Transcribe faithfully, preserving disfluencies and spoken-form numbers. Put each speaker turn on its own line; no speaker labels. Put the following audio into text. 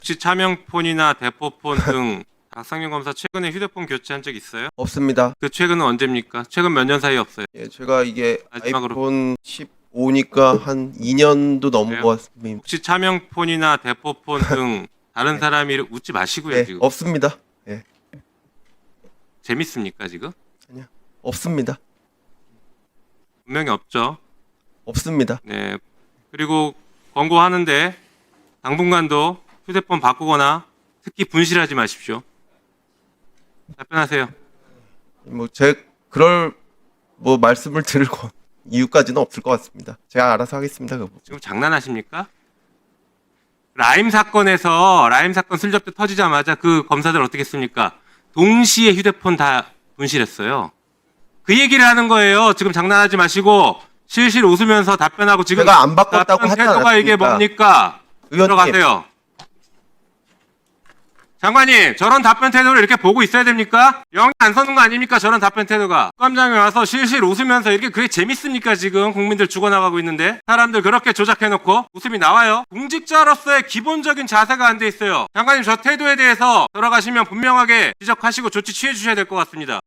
혹시 차명폰이나 대포폰 등 박상현 검사 최근에 휴대폰 교체한 적 있어요?
없습니다.
그 최근은 언제입니까? 최근 몇 년 사이 없어요.
예, 제가 이게
마지막으로.
아이폰 십오니까 한 이 년도 넘은
그래요?
것 같습니다.
혹시 차명폰이나 대포폰 등 다른
네.
사람이 웃지 마시고요.
예,
지금
없습니다. 예,
재밌습니까 지금?
없습니다.
분명히 없죠.
없습니다.
네. 그리고 권고하는데 당분간도 휴대폰 바꾸거나 특히 분실하지 마십시오. 답변하세요.
뭐 제 그럴 뭐 말씀을 드릴 거 이유까지는 없을 것 같습니다. 제가 알아서 하겠습니다. 그 부분.
지금 장난하십니까? 라임 사건에서 라임 사건 슬쩍 터지자마자 그 검사들 어떻게 했습니까? 동시에 휴대폰 다 분실했어요. 그 얘기를 하는 거예요. 지금 장난하지 마시고 실실 웃으면서 답변하고 지금
제가 안 바꿨다고
답변
하지
태도가 이게
않았습니까?
뭡니까?
의원님.
들어가세요. 장관님, 저런 답변 태도를 이렇게 보고 있어야 됩니까? 영이 안 서는 거 아닙니까? 저런 답변 태도가. 국감장에 와서 실실 웃으면서 이렇게 그게 재밌습니까? 지금 국민들 죽어나가고 있는데 사람들 그렇게 조작해놓고 웃음이 나와요? 공직자로서의 기본적인 자세가 안 돼 있어요. 장관님, 저 태도에 대해서 들어가시면 분명하게 지적하시고 조치 취해 주셔야 될 것 같습니다.